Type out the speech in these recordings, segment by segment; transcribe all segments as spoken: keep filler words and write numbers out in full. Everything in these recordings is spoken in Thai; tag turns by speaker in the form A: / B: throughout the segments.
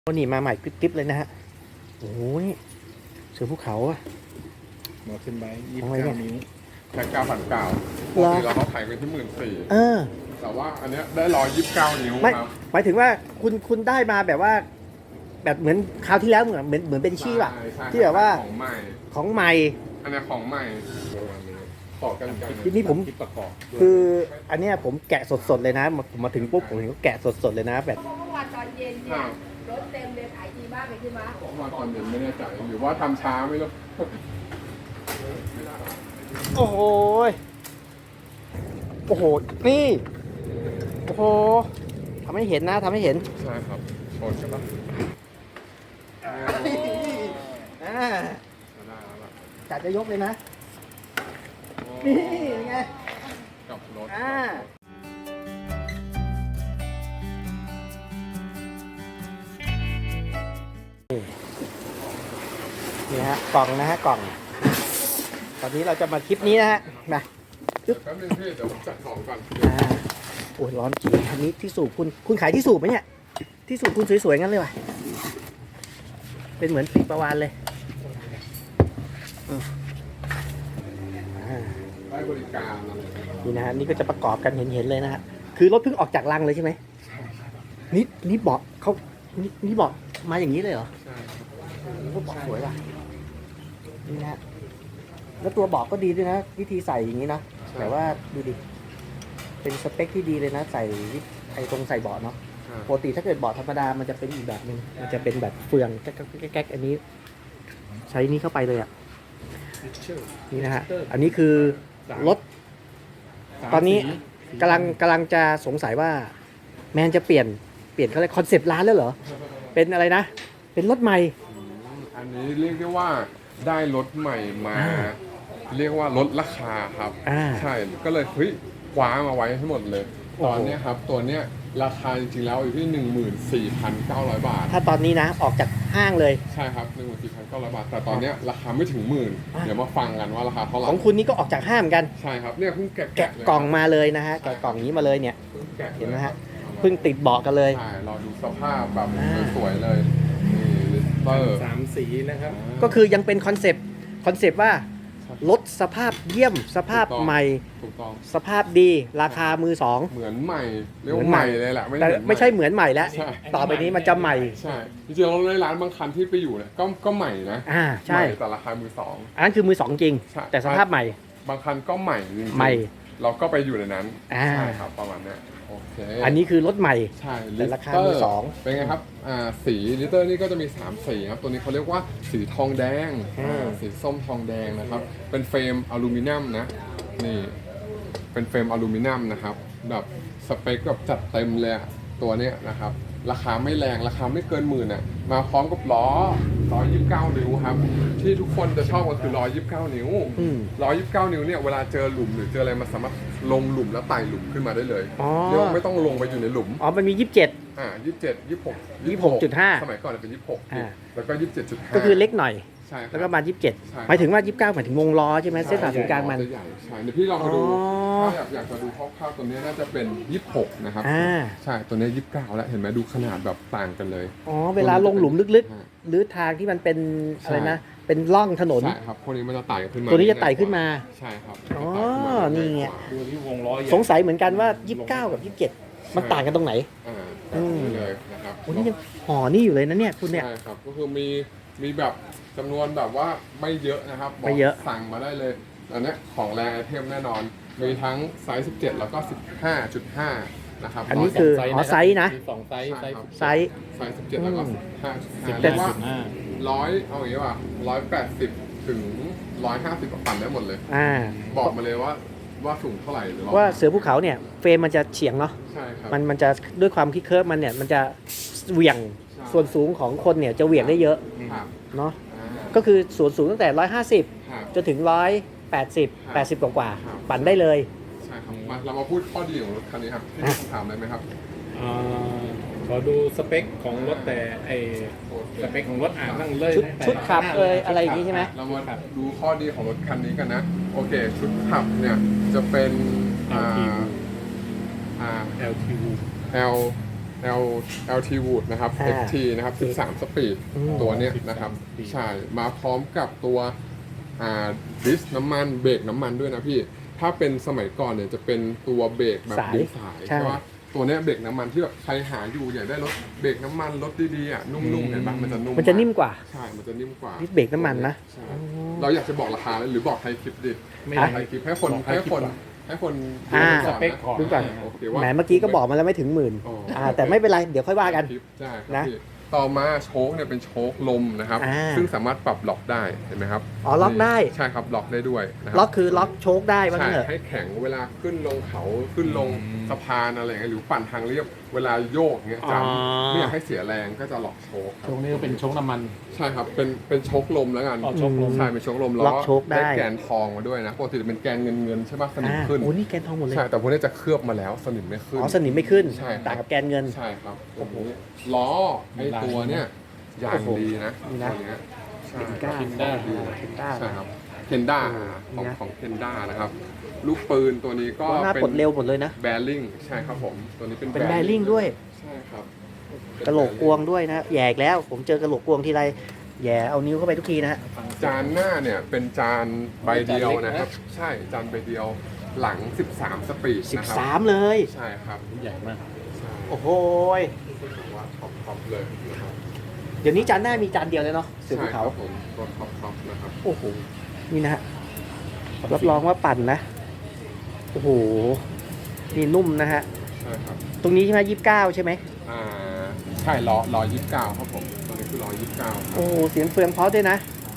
A: วันนี้มาใหม่กริบๆเลยนะฮะโอ้ยเสือภูเขาอะ
B: หมอขึ้นไปยี่สิบ
A: ทำไมเนี่
B: เก้าย นิ้ว
C: แค่เก้าพันเก้าปกติเราเขาขายกันที่หมื่นสี่
A: เออ
C: แต่ว่าอันเนี้ยได้ร้อยยี่สิบเก้านิ้ว
A: ไม่
C: ครับ
A: หมายถึงว่าคุณคุณได้มาแบบว่า แบบเหมือนคราวที่แล้วเหมือนเหมือนเหมือนเป็นชี่ป่ะ
C: ใช่ใช่
A: ที่แบบว่า
C: ของใหม่
A: ของใหม่
C: อันเนี้ยของใหม่ขอกันกัน
A: ทีนี้ผม
B: คิดประกอบ
A: คืออันเนี้ยผมแกะสดๆเลยนะมาผมมาถึงปุ๊บผมเห็นเขาแกะสดๆเลยนะแบบ
D: เมื่อวานตอนเย็นเนี่ยรถเต็มเลยขายดีมากเลยใช่ไหม
C: ผมมาตอนเย็นไม่แน่ใจหรือว่าทำช้าไม่รู้
A: โอ้โหโอ้โหนี่โอ้โหทำให้เห็นนะทำให้เห็น
C: ใช่ครับชนกันปะ
A: อ่า
C: ได้แล้วล่ะ
A: จัดจะยกเลยนะนี่เป็นไง
C: กับรถ
A: อ่านี่ฮะกล่องนะฮะกล่อง ตอนนี้เราจะมาคลิปนี้นะฮะมา
C: แป๊บนึงพี่เดี๋ยวผมจัดของก่อน
A: อ่าโอ้ยร้อนจริงอันนี้ที่สูบคุณคุณขายที่สูบไหมเนี่ยที่สูบคุณสวยๆงั้นเลยว่ะเป็นเหมือนปีประวานเลยอืมอ่า
C: ได้บริการอะไรอย่างเงี้ย
A: นี่นะฮะนี่ก็จะประกอบกันเห็นๆเลยนะฮะคือรถเพิ่งออกจากรังเลยใช่ไหมนี่นี่เบาะเขานี่นี่เบาะมาอย่างนี้เลยเหรอ
C: ใช่ครับ
A: โอ้โหเบาะสวยว่ะนี่นะฮะแล้วตัวเบาะก็ดีด้วยนะ วิธีใส่อย่างนี้นะแต่ว่าดูดิเป็นสเปคที่ดีเลยนะใส่ไอ้ตรงใส่เบาะเนาะ
C: ใช่
A: ปกติถ้าเกิดเบาะธรรมดามันจะเป็นอีกแบบหนึ่งมันจะเป็นแบบเฟืองแก๊กๆแก๊กๆอันนี้ ใช้นี้เข้าไปเลยอ่ะนี่นะฮะอันนี้คือรถ ตอนนี้กำลังกำลังจะสงสัยว่าแมนจะเปลี่ยนเปลี่ยนเขาเลยคอนเซปต์ร้านแล้วเหรอ เป็นอะไรนะ เป็นรถใหม่
C: อันนี้เรียกได้ว่าได้รถใหม่มา
A: อ่า
C: เรียกว่าลดราคาครับ
A: อ่า
C: ใช่ก็เลยเฮ้ยคว้ามาไว้ให้หมดเลย
A: โอ้
C: ต
A: โห
C: อนเนี้ยครับตัวเนี้ยราคาจริงๆแล้วอยู่ที่ หนึ่งหมื่นสี่พันเก้าร้อย บาท
A: ถ้าตอนนี้นะออกจากห้างเลย
C: ใช่ครับ หนึ่งหมื่นสี่พันเก้าร้อย บาท แต่ตอนเนี้ยราคาไม่ถึงหมื่น
A: อ่า
C: เดี๋ยวมาฟังกันว่าราคาเท่าไหร่
A: ของคุณนี่ก็ออกจากห้างเหมือนกัน
C: ใช่ครับเนี่ยเพิ่งแกะ
A: แกะ
C: เลย
A: กล่องมาเลยนะฮะแกะกล่องนี้มาเลยเนี่ย
C: เพิ่งแกะลย
A: เห็นไหมฮะ เพิ่งติดเบาะกันเลย
C: ใช่เราดูสภาพแบบ
A: อ่า
C: สวยๆเลยนี่ลิสเตอร์
B: สามสีนะครับ
A: ก็คือยังเป็นคอนเซปต์คอนเซปต์ว่ารถสภาพเยี่ยมสภาพใหม่
C: ถูกต้อง
A: สภาพดีราคามือสอง
C: เหมือนใหม่เรียกว่าใหม่เลยแหละ
A: แต่
C: เหอน
A: ไม่ใช่เหมือนใหม่แล้ว
C: ใช่
A: ต่อไปนี้มันจะใหม่
C: ใช่จริงๆเราในร้านบางคันที่ไปอยู่เนี่ยก็ก็ใหม่นะ
A: อ่าใช่
C: ใหม่แต่ราคามือสอง
A: อันนั้นคือมือสองจริง
C: ใช่
A: แต่สภาพใหม่
C: บางคันก็ใหม่จริงๆ
A: ใหม่
C: เราก็ไปอยู่ในนั้น
A: อ่า
C: ใช่ครับประมาณเนี้ยโอเค
A: อันนี้คือรถใหม่
C: ใช่
A: แต่ราคา
C: ลิต
A: มือสอง
C: เป็นไงครับอ่าสีลิตเตอร์นี่ก็จะมีสามสีครับตัวนี้เขาเรียกว่าสีทองแดง
A: อืม
C: อ่าสีส้มทองแดงนะครับเป็นเฟรมอลูมิเนียมนะนี่เป็นเฟรมอลูมิเนียมนะครับแบบสเปคแบบจัดเต็มเลยอะตัวเนี้ยนะครับราคาไม่แรงราคาไม่เกินหมื่นอ่ะมาพร้อมกับล้อล้อยี่สิบเก้านิ้วครับที่ทุกคนจะชอบก็คือล้อยี่สิบเก้านิ้ว
A: อืม
C: ร้อยยี่สิบเก้านิ้วเนี่ยเวลาเจอหลุมหรือเจออะไรมันสามารถลงหลุมแล้วไต่หลุมขึ้นมาได้เลย
A: อ๋อ
C: เรียกว่าไม่ต้องลงไปอยู่ในหลุม
A: อ๋อมันมียี่สิบเจ็ด
C: อ่ายี่สิบเจ็ดยี่สิบหก
A: ยี่สิบหกจุดห้า
C: สมัยก่อนเป็นยี่สิบหก
A: อ่า
C: แล้วก็ยี่สิบเจ็ดจุดห้า
A: ก็คือเล็กหน่อย
C: ใช่ครับ
A: แล้วก็มายี่สิบเจ็ด
C: ใช่
A: หมายถึงว่ายี่สิบเก้าหมายถึงวงล้อใช่ไหมเส้นผ่าศูนย์กลางมัน
C: จะใหญ่ใช่เดี๋ยวพี่ลองมาดู
A: อ๋อ
C: ถ้าอยากอยากจะดูคร่าวๆตัวนี้น่าจะเป็นยี่สิบหกนะครับ
A: อ่า
C: ใช่ตัวนี้ยี่สิบเก้าแล้วเห็นไหมดูขนาดแบบต่างกันเลย
A: อ๋อเวลาลงหลุมลึกๆ หรือทางที่มันเป็นอะไรนะ เป็นร่องถนน
C: ใช่ครับพวกนี้มันจะไต่ขึ้นมา
A: ตัวนี้จะไต่ขึ้นมา
C: ใช่ครับ
A: อ๋อ
C: จะไต่ขึ้มา
A: นี่ไง
B: ดูที่วงล้อใหญ่
A: สงสัยเหมือนกันว่ายี่สิบเก้ากับยี่สิบเจ็ดมันต่างกันตรงไหน
C: อ่า
A: อืม
C: นี่เลยนะครับ
A: โอ้นี่ยังห่อนี่อยู่เลยนะเนี่ยคุณเนี่ย
C: ใช่ครับก็คือมีมีแบบจำนวนแบบว่าไม่เยอะนะครับบก
A: ไม่เยอะ
C: สั่งมาได้เลยอันเนี้ยของแรงไอเทมแน่นอน มีทั้งไซส์สิบเจ็ดแล้วก็ สิบห้าจุดห้า นะครับ
A: อันนี้คือ อ๋อไซส์นะ
B: มีสองไซส์ไซส์
A: ไซส์
C: ไซส์สิบเจ็ดแล้วก็
A: อืม
C: สิบห้าจุดห้า
A: สิบ
C: เรี
A: เจ็
C: ย
A: ด
C: กว่า
B: สิบห้า
C: ร้อยเอาอย่างนี้ว่าร้อยแปดสิบถึงร้อยห้าสิบปั่นได้หมดเลย
A: อ่า
C: บอกมาเลยว่าว่าสูงเท่าไหร่หรือ
A: ว่าเสือภูเขาเนี่ยเฟรมมันจะเฉียงเนาะ
C: ใช่ครับ
A: มันมันจะด้วยความคิดเคิร์ฟมันเนี่ยมันจะเหวี่ยง
C: ใช่
A: ส่วนสูงของคนเนี่ยจะเหวี่ยงได้เยอะ
C: ครับ
A: เนาะ
C: อ่า
A: ก็คือส่วนสูงตั้งแต่ร้อยห้าสิบ
C: ครับ
A: จนถึงร้อยแปดสิบ
C: ครับ
A: แปดสิบกว่า
C: ครับ
A: ๆปั่นได้เลย
C: ใช่ครับมาเรามาพูดข้อดีของรถคันนี้ครับที่
A: อ่ะ
C: ถามได้ไหมครับ
B: อ่าขอดูสเปคของรถแต่ไอสเปคของรถอ่านนั่งเลย
A: ชุด
B: แต่
A: ชุดขับ
B: หน้า
A: เอย
B: ชุด
A: อะไรอย่างงี้ใช่ไหม
C: เรามาดูข้อดีของรถคันนี้กันนะ โอเค ชุดขับเนี่ยจะเป็นอ่าอ่า
B: แอล ที ยู
C: L L LT Wood นะครับ
A: อ่า
C: เอ็กซ์ ที นะครับสิบสามสปีด
A: อืม
C: ตัวเนี้ยนะครับ ใช่ มาพร้อมกับตัวอ่าดิสน้ำมันเบรกน้ำมันด้วยนะพี่ ถ้าเป็นสมัยก่อนเนี่ยจะเป็นตัวเบรกแบบ
A: สาย
C: ดึงสาย
A: ใช่
C: ใช่ปะตัวเนี้ยเบรกน้ำมันที่แบบใครหาอยู่อยากได้รถเบรกน้ำมันรถดีๆอ่ะนุ่มๆเห็นปะมันจะนุ่ม
A: มันจะนิ่มกว่า
C: ใช่ มันจะนิ่มกว่า
A: นี่เบรกน้ำมันนะ
C: ใช่เราอยากจะบอกราคาเลยหรือบอกไทยคลิปดิ
B: ไม่
A: อ่ะ
C: ไทยคลิปให้คน
B: บอก
C: ให้คน
B: ก่อ
C: ให้คน
A: อ่า
C: ดูก่อน
B: สเปค
C: นะ
B: ก่อน
A: ดูก่อน
C: โอเคว่า
A: แหมเมื่อกี้ก็บอกมาแล้วไม่ถึงหมื่น
C: อ๋อ
A: อ่าแต่ไม่เป็นไรเดี๋ยวค่อยว่ากัน
C: คลิปใช่ครับ
A: นะ
C: พี่ต่อมาโชคเนี่ยเป็นโชคลมนะครับ
A: อ่า
C: ซึ่งสามารถปรับล็อกได้เห็นไหมครับ
A: อ๋อล็อกได้
C: ใช่ครับล็อกได้ด้วยนะครั
A: ล็อกคือล็อกโชคได้ว่า
C: ใช่
A: งั้นเถอะ
C: ให้แข็งเวลาขึ้นลงเขาขึ้นลง
B: อืม
C: สะพานอะไรเงี้ยหรือปั่นทางเรียบเวลาโยกเงี้ย
A: อ๋อ
C: จำไม่อยากให้เสียแรงก็จะล็อกโชคค
B: ต
C: รั
B: ร
C: บ
B: งนี้ก็เป็นโชคน้ำมัน
C: ใช่ครับเป็นเป็นโชคลมแล้วกัน
B: อ๋อโชคลม
C: ใช่เป็นโชคลม
A: ล็อกโชคได้
C: แกนทองมาด้วยนะปกติจะเป็นแกนเงินเงินๆใช่ไหมสนิม
A: อ่า
C: ขึ้น
A: โอ้นี่แกนทองหมดเลย
C: ใช่แต่พวกนี้จะเคลือบมาแล้วสนิมไม่ขึ้น
A: อ๋อสนิมไม่ขึ้น
C: ใช่ครับ
A: ต่างกับแกนเงิน
C: ใช่ครับโอ้โหล้อไอ้ตัวเนี้ยยางดีนะ
A: นี่นะ
C: ตัวเนี้ยใช่
A: เคนก้า
B: คินด้า
A: เคนก้า
C: ใช่ครับเคนด้า
A: โอ้
C: ของ
A: นี่นะ
C: ของเคนด้านะครับ ลูกปืนตัวนี้ก็
A: หน้า
C: เป็
A: ปลดเร็วหมดเลยนะ
C: แบริ่งใช่ครับผมตัวนี้เป็น
A: เป็นแบริ่งด้วย
C: ใช่ครับ
A: กระโหลกกวงด้วยนะแหยกแล้วผมเจอกระโหลกกวงทีไรแหย่เอานิ้วเข้าไปทุกทีนะฮะ
C: จานหน้าเนี่ยเป็นจานใบเดียวนะครับ ใช่จานใบเดียวหลัง สิบสาม สปีด
A: สิบ
C: นะครับ
A: สามเลย
C: ใช่ครับ
B: ใหญ่มาก
C: ใช่
A: โอ้โหย
C: ถือว่าท็อปท็อปเลยนะครับ
A: เดี๋ยวนี้จานหน้ามีจานเดียวเลยเนาะเสือภูเขา
C: ใช่ครับผมตัวท็อปท็อปนะครับ
A: โอ้โห นี่นะฮะ รับรองว่าปั่นนะ โอ้โห นี่นุ่มนะฮะ
C: ใช่ครับ
A: ตรงนี้ใช่ไหมยี่สิบเก้าใช่ไหม
C: อ่าใช่ล้อล้อยี่สิบเก้าครับผมตัวนี้คือล้อยี่สิบเก้าครับ
A: โอ้โห เสียงเฟืองเพราะด้วยนะ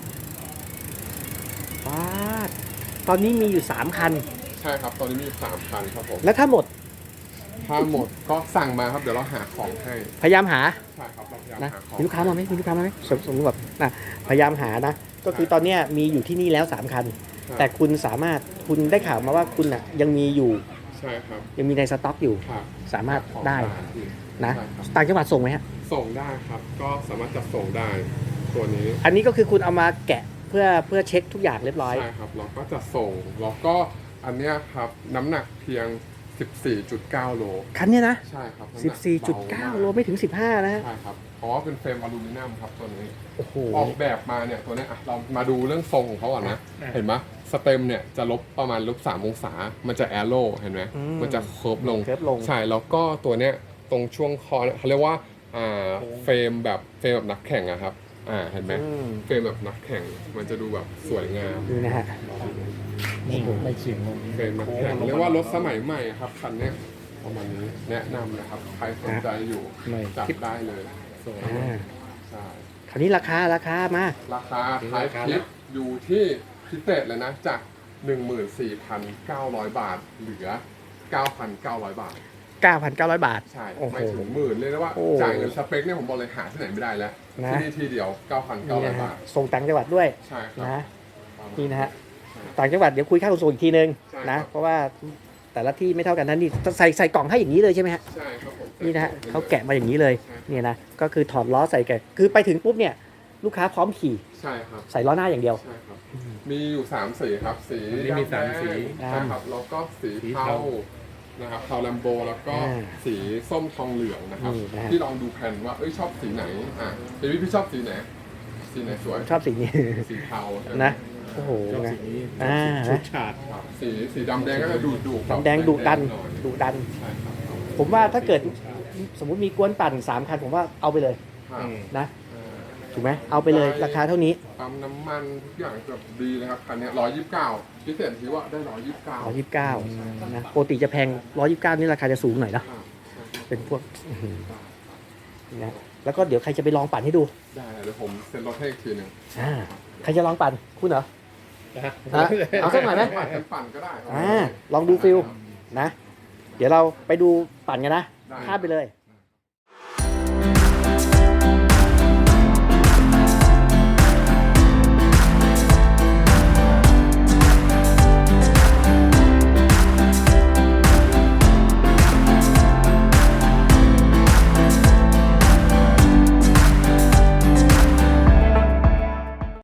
A: ว้าดตอนนี้มีอยู่ 3 คัน
C: ใช่ครับตอนนี้มีสามคันครับผม
A: แล้วถ้าหมด
C: ถ้าหมดก็สั่งมาครับเดี๋ยวเราหาของให้
A: พยายามหา
C: ใช่ครับเราพยายาม
A: นะ
C: หาของ
A: มีลูกค้ามาไหมมีลูกค้ามาไหมสมสมมติแบบนะพยายามหานะ ก็คือตอนเนี้ยมีอยู่ที่นี่แล้ว 3 คัน
C: ใช่
A: แต่คุณสามารถ คุณได้ข่าวมาว่าคุณอ่ะยังมีอยู่
C: ใช่ครับ
A: ยังมีในสต็อกอยู่
C: ครับ
A: สามารถได้
C: ของ
A: นะ
C: ใช่ครับ
A: ต่างจังหวัดส่งไหมฮะ
C: ส่งได้ครับ ก็สามารถจัดส่งได้ตัวนี้
A: อันนี้ก็คือคุณเอามาแกะเพื่อเพื่อเช็คทุกอย่างเรียบร้อย
C: ใช่ครับเราก็จะส่งแล้วก็อันเนี้ยครับน้ำหนักเพียง สิบสี่จุดเก้า โล
A: คันเนี้ยนะ
C: ใช่ครับน้ำห
A: สิ
C: นั
A: บสี่จุดเก้า โลไม่ถึงสิบห้านะฮะ
C: ใช่ครับเพราะว่าเป็นเฟรมอลูมิเนียมครับตัวนี้
A: โอ้โห
C: ออกแบบมาเนี่ยตัวเนี้ยอ่ะเรามาดูเรื่องทรงของเขาก่อนนะ
B: อ่ะ
C: เห็นไหมสเต็มเนี่ยจะลบประมาณลบสามองศา มันจะแอโร่เห็นไหม
A: อืม
C: มันจะเคิร์ฟลง
A: เคิร์ฟลง
C: ใช่แล้วก็ตัวเนี้ยตรงช่วงคอเนี่ยเขาเรียกว่าอ่าเฟรมแบบเฟรมแบบนักแข่งอะครับอ่าเห็นไหม
A: อืม
C: เฟรมแบบนักแข่งมันจะดูแบบสวยงาม
A: นี่นะฮะ
B: นี่ไม่เฉียงลง
C: เฟรมนักแข่งเรียกว่ารถสมัยใหม่อะครับคันเนี้ยประมาณนี้แนะนำนะครับใครสนใจอยู่
B: ไม่
C: จัดได้เลย
B: สวย
A: อ่า
C: ใช่
A: คราวนี้ราคาราคามา
C: ราคาท้ายคลิปอยู่ที่พิเศษเลยนะจาก หนึ่งหมื่นสี่พันเก้าร้อย บาท เหลือ เก้าพันเก้าร้อย บาท
A: เก้าพันเก้าร้อย บาท
C: ใช่
A: โอ้โห
C: ไม่ถึงหมื่นเลยนะว่า
A: โอ้
C: จ่ายเงินสเปคเนี่ยผมบอกเลยหาที่ไหนไม่ได้แล้ว
A: นะ
C: ที่นี่ที่เดียว เก้าพันเก้า
A: นี่
C: ร้อย
A: นะฮะ
C: บาท
A: ส่งต่างจังหวัดด้วย
C: ใช่ครับ
A: นะนี่นะฮะต่างจังหวัดเดี๋ยวคุยค่าขนส่งอีกทีนึง
C: ใช่
A: นะ
C: ครับ
A: เพราะว่าแต่ละที่ไม่เท่ากันนั่นนี่ใส่ใส่กล่องให้อย่างนี้เลยใช่ไหมฮะ
C: ใช่ครับผม
A: นี่นะฮะเขาแกะมาอย่างนี้เลย
C: ใช่
A: เนี่ยนะก็คือถอดล้อใส่แกะคือไปถึงปุ๊บเนี่ยลูกค้าพร้อมขี่
C: ใช่ครับ
A: ใส่ล้อหน้าอย่างเดียว
C: ใช่ครับ มีอยู่สามสีครับ สี
B: อันนี้มีสามสี
C: ใช่ครับแล้วก็สี
B: สี
C: เทา
B: เทา
C: นะครับเทาแลมโบแล้วก็
A: อ่า
C: สีส้มทองเหลืองนะครับ
A: นี่นะฮะ
C: พี่ลองดูแผ่นว่าเอ้ยชอบสีไหนอ่ะพี่พี่ชอบสีไหนสีไหนสวย
A: ชอบสีนี้
C: สีเทาใช่ไหม
A: นะโอ้โห
B: ชอบ
A: นะ
B: สีนี้
A: อ่า
B: ชุดฉาด
C: ครับสีสีดำแดงก็จะดูดู
A: ดำแดงดุดัน
C: หอย
A: ดุดัน
C: ใช่ครับ
A: ผมว่าถ้าเกิดสมมุติมีกวนปั่นสามคันผมว่าเอาไปเลย
C: ครับ
B: อืม
A: นะ
C: อ่า
A: ถูกไหมเอาไปเลยราคาเท่านี้
C: ปั๊มน้ำมันทุกอย่างแบบดีเลยครับคันเนี้ร้อยยี่สิบเก้าพิเศษที่ว่าได้ร้อยยี่สิบเก้า
A: ร้อยยี่สิบเก้านะปกติจะแพงร้อยยี่สิบเก้านี่ราคาจะสูงหน่อยนะเป็นพวกอื้อหือนะแล้วก็เดี๋ยวใครจะไปลองปั่นให้ดู
C: ได้เดี๋ยวผมเซ็นรถให้อีกทีหนึ่ง
A: อ่าใครจะลองปั่นคุณเหรอ
B: นะ
A: ฮะเอาสักหน่อยไหม
C: ปั่นกันปั่นก็ได้ครับ
A: อ่าลองดูฟิลนะ เดี๋ยวเราไปดูปั่นกันนะ
C: ได้
A: ข้ามไปเลย